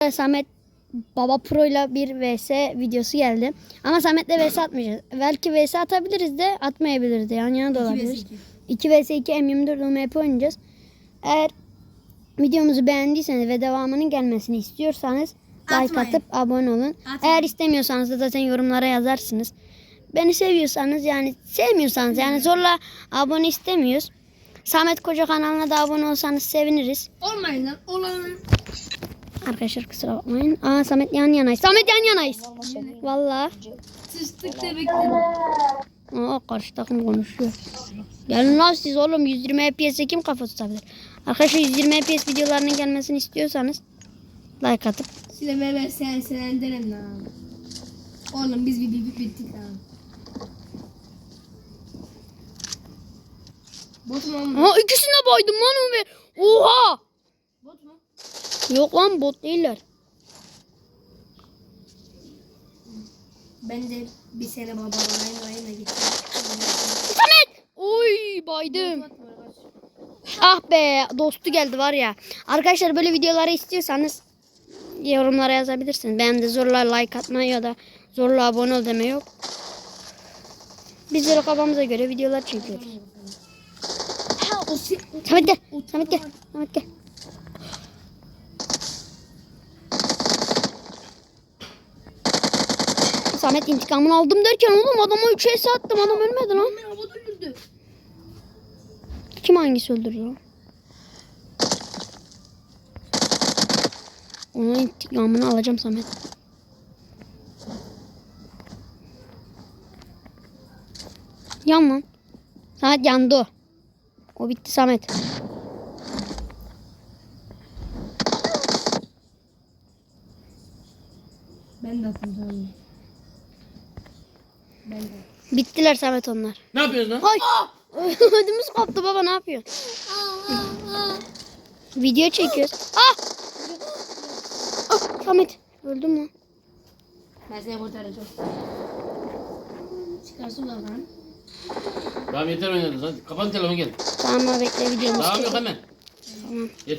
Samet Baba Pro ile bir vs videosu geldi. Ama Samet'le vs atmayacağız. Belki vs atabiliriz de atmayabiliriz de. Yan yana da olabilir. 2 vs 2 M24 UMP oynayacağız. Eğer videomuzu beğendiyseniz ve devamının gelmesini istiyorsanız like atıp abone olun. Eğer istemiyorsanız da zaten yorumlara yazarsınız. Beni seviyorsanız yani sevmiyorsanız yani zorla abone istemiyoruz. Samet Koca kanalına da abone olsanız seviniriz. Olmayın lan. Olan. Arkadaşlar kusura bakmayın. Aa Samet yan yanayız. Samet yan yanayız. Vallahi. Sıçtık da bekledim. Aa karşı takım konuşuyor. Gelin lan siz oğlum 120 FPS'e kim kafa tutabilir? Arkadaşlar 120 FPS videolarının gelmesini istiyorsanız like atıp. Sile ver sen derim lan. Oğlum biz video bittik lan. Bot mu ama? Aa ikisine baydım lan Ömer. Oha. Bot mu? Yok lan bot değiller. Ben de bir sene baba ayına gittim. Samet. Oy baydım. Ah be dostu geldi var ya. Arkadaşlar böyle videoları istiyorsanız yorumlara yazabilirsiniz. Ben de zorla like atma ya da zorla abone ol deme yok. Biz de kafamıza göre videolar çekiyoruz. Samet gel. Samet gel. Samet gel. Samet intikamını aldım derken oğlum adama 3 es attım. Adam ölmedi lan. Beni havada öldürdü. Kim hangisi öldürdü lan? Onun intikamını alacağım Samet. Yan lan. Samet yandı o. O bitti Samet. Ben de attım sana. Ben de. Bittiler Samet onlar. Ne yapıyorsun lan? Ay. Ödümüz koptu baba ne yapıyorsun? Video çekiyoruz. Ah! Ah Samet öldün mü? Ben seni kurtaracağım. Çıkarsın lan. Tamam yeter oynadınız hadi. Kapan telefonu gel. Tamam bekle videomuz Tamam çekiyor. yok hemen. Tamam.